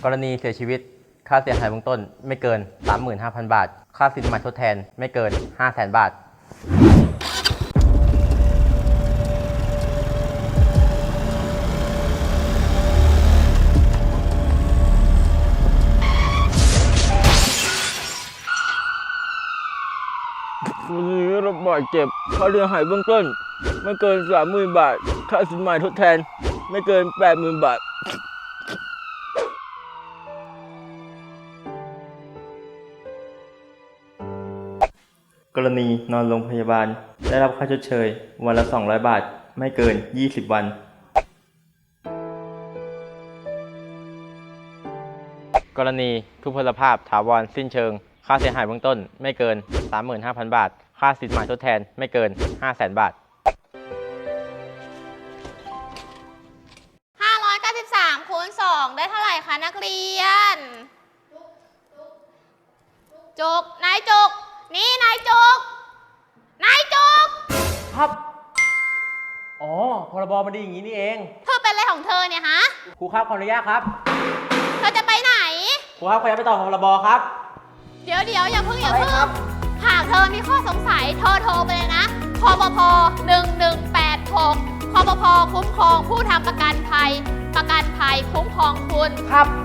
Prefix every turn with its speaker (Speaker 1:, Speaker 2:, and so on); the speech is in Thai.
Speaker 1: กรณีเสียชีวิตค่าเสียหายเบื้องต้นไม่เกิน 35,000 บาทค่าสินไหมทดแทนไม่เกิน 500,000 บาท
Speaker 2: วันนี้รับบาดเจ็บค่าเสียหายเบื้องต้นไม่เกิน 30,000 บาทค่าสินไหมทดแทนไม่เกิน 80,000 บาท
Speaker 1: กรณีนอนโรงพยาบาลได้รับค่าชดเชยวันละ 200 บาทไม่เกิน 20 วันกรณีทุพพลภาพถาวรสิ้นเชิงค่าเสียหายเบื้องต้นไม่เกิน 35,000 บาทค่าสินไหมทดแทนไม่เกิน 500,000 บาท
Speaker 3: 593คูณ2ได้เท่าไหร่คะนักเรียนจุกนายจุกนี่นายจุกนายจุก
Speaker 1: ครับอ๋อพรบมันดีอย่างนี้นี่เอง
Speaker 3: เธอเป็นอะไรของเธอเนี่ยฮะ
Speaker 1: ครูครับขออนุญาตครับ
Speaker 3: เธอจะไปไหน
Speaker 1: ครูครับขออนุญาตไปต่อพรบครับ
Speaker 3: เดี๋ยวอย่าเพิ่งหากเธอมีข้อสงสัยเธอโทรไปเลยนะคปภ1186คปภคุ้มครองผู้ทำประกันภัยคุ้มครองคุณ
Speaker 1: ครับ